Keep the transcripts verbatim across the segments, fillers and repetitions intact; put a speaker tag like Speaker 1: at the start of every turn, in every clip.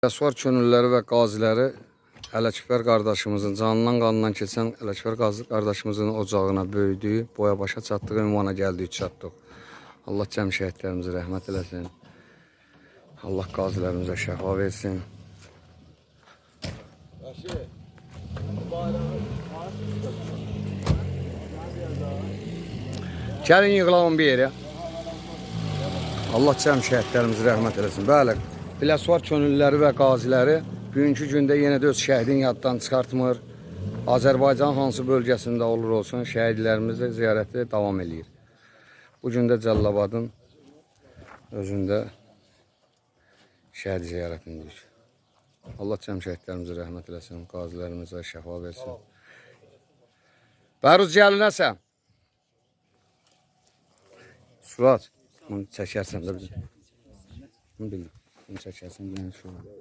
Speaker 1: Əsvar könülləri və qaziləri Ələkbər qardaşımızın, canından qanından keçən Ələkbər qardaşımızın ocağına böyüdüyü, boya başa çatdığı ünvana gəldik, çatdıq. Allah cəm şəhidlərimizə rəhmət eləsin. Allah qazilərimizə şəfa versin. Gəlin yığılalım bir yerə. Allah cəm şəhidlərimizə rəhmət eləsin. Bəli, Biləsuvar könüllüləri və qaziləri bugünkü gündə yenə də öz şəhidini yaddan çıxartmır. Azərbaycan hansı bölgəsində olur olsun, şəhidlərimizə ziyarəti davam edir. Bugün də Cəllabadın özündə şəhid ziyarətindeyiz. Allah cəm şəhidlərimizə rəhmət eləsin, qazilərimizə şəfa versin. Bəruz gəlinəsə. Surat, bunu çəkərsən də bizim. Bunu bildim. Bunu çəkərsən, yəni şu an.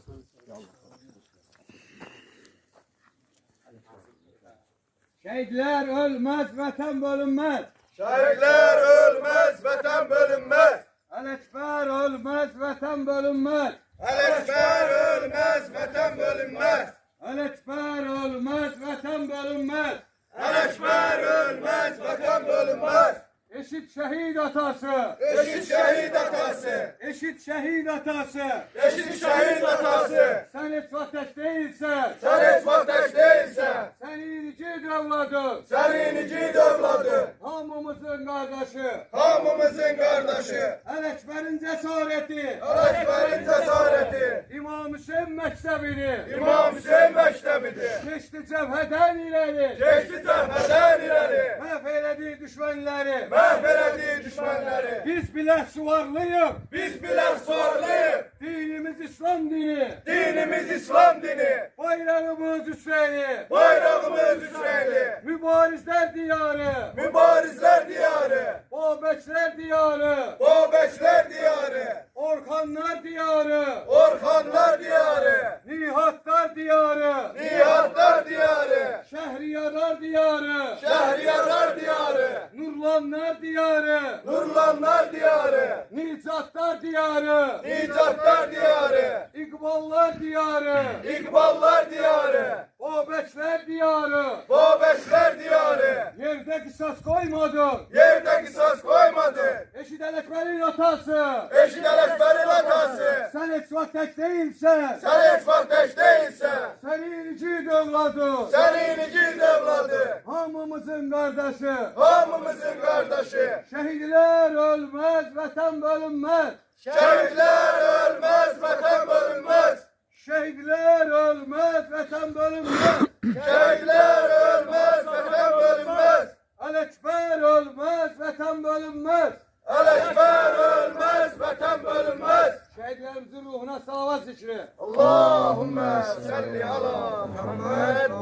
Speaker 2: Şehitler ölmez, vatan bölünmez.
Speaker 3: Şehitler ölmez, vatan bölünmez.
Speaker 2: Ələkbər ölmez, vatan bölünmez.
Speaker 3: Ələkbər ölmez, vatan bölünmez.
Speaker 2: Ələkbər ölmez, vatan bölünmez.
Speaker 3: Ələkbər ölmez, vatan bölünmez.
Speaker 2: Eşit şehit atası.
Speaker 3: Eşit şehit atası.
Speaker 2: Eşit şehit atası.
Speaker 3: Eşit şehit atası.
Speaker 2: Sen hiç vateş değilsen.
Speaker 3: Sen hiç vateş değilsen.
Speaker 2: Senin iki devladın.
Speaker 3: Senin iki devladı.
Speaker 2: Hamımızın kardeşi.
Speaker 3: Hamımızın kardeşi.
Speaker 2: Ələkbərin cesareti.
Speaker 3: Ələkbərin cesareti.
Speaker 2: İmam Hüseyin mektebini.
Speaker 3: İmam Hüseyin mektebidir.
Speaker 2: Geçti cəbhədən ileri.
Speaker 3: Geçti cəbhədən ileri.
Speaker 2: Məhv elədiyi düşmənləri.
Speaker 3: Mahvelediği düşmanları.
Speaker 2: Biz bile suvarlıyıq.
Speaker 3: Biz bilen suarlıyız.
Speaker 2: Dinimiz İslam dini.
Speaker 3: Dinimiz İslam dini.
Speaker 2: Bayrağımız Hüseyin'i.
Speaker 3: Bayrağımız Hüseyin'i.
Speaker 2: Mübarizler diyarı.
Speaker 3: Mübarizler diyarı.
Speaker 2: Babekler diyarı.
Speaker 3: Babeşler diyarı.
Speaker 2: Orkanlar diyarı.
Speaker 3: Orhanlar diyarı.
Speaker 2: Nihatlar diyarı.
Speaker 3: Nihatlar diyarı.
Speaker 2: Şehriyarlar diyarı.
Speaker 3: Şehriyarlar diyarı.
Speaker 2: Nurlanlar diyarı.
Speaker 3: Nurlanlar diyarı.
Speaker 2: Nicatlar diyarı.
Speaker 3: Nicatlar diyarı.
Speaker 2: İkballar diyarı.
Speaker 3: İkballar diyarı.
Speaker 2: Babekler diyarı.
Speaker 3: Babeşler diyarı.
Speaker 2: Yerde kısas koymadı.
Speaker 3: Yerde kısas koymadı.
Speaker 2: Eşit Ələkbərin atası.
Speaker 3: Eşit Ələkbərin atası.
Speaker 2: Sen hiç vateş değilsen.
Speaker 3: Sen hiç vateş değilsen.
Speaker 2: Senin iki devladı.
Speaker 3: Senin iki devladı.
Speaker 2: Hamımızın kardeşi.
Speaker 3: Hamımızın kardeşi.
Speaker 2: Şehitler ölmez, vatan bölünmez.
Speaker 3: Şehitler ölmez, vatan bölünmez.
Speaker 2: Şehitler ölmez, vatan bölünmez.
Speaker 3: Şehitler ölmez, vatan bölünmez.
Speaker 2: Ələkbər ölmez, vatan bölünmez.
Speaker 3: Ələkbər ölmez, vatan bölünmez.
Speaker 2: Şehitlerimizin ruhuna salavat zikri.
Speaker 3: Allahümme salli ala Muhammed ve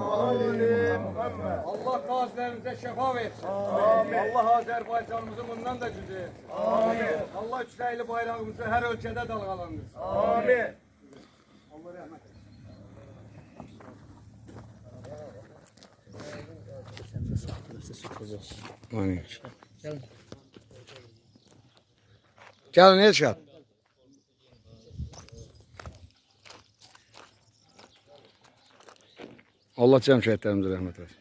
Speaker 3: ali Muhammed.
Speaker 2: Allah qazilərimize şəfa versin.
Speaker 3: Amin.
Speaker 2: Allah Azərbaycanımızı bundan da gücü etsin.
Speaker 3: Amin.
Speaker 2: Allah üçrəyli bayrağımızı her ölkədə dalgalandırsın.
Speaker 3: Amin.
Speaker 2: Allah rəhmət etsin.
Speaker 1: Aynen. Gəlin Elşad. Allah cəm şəhidlərimizə rəhmət eləsin.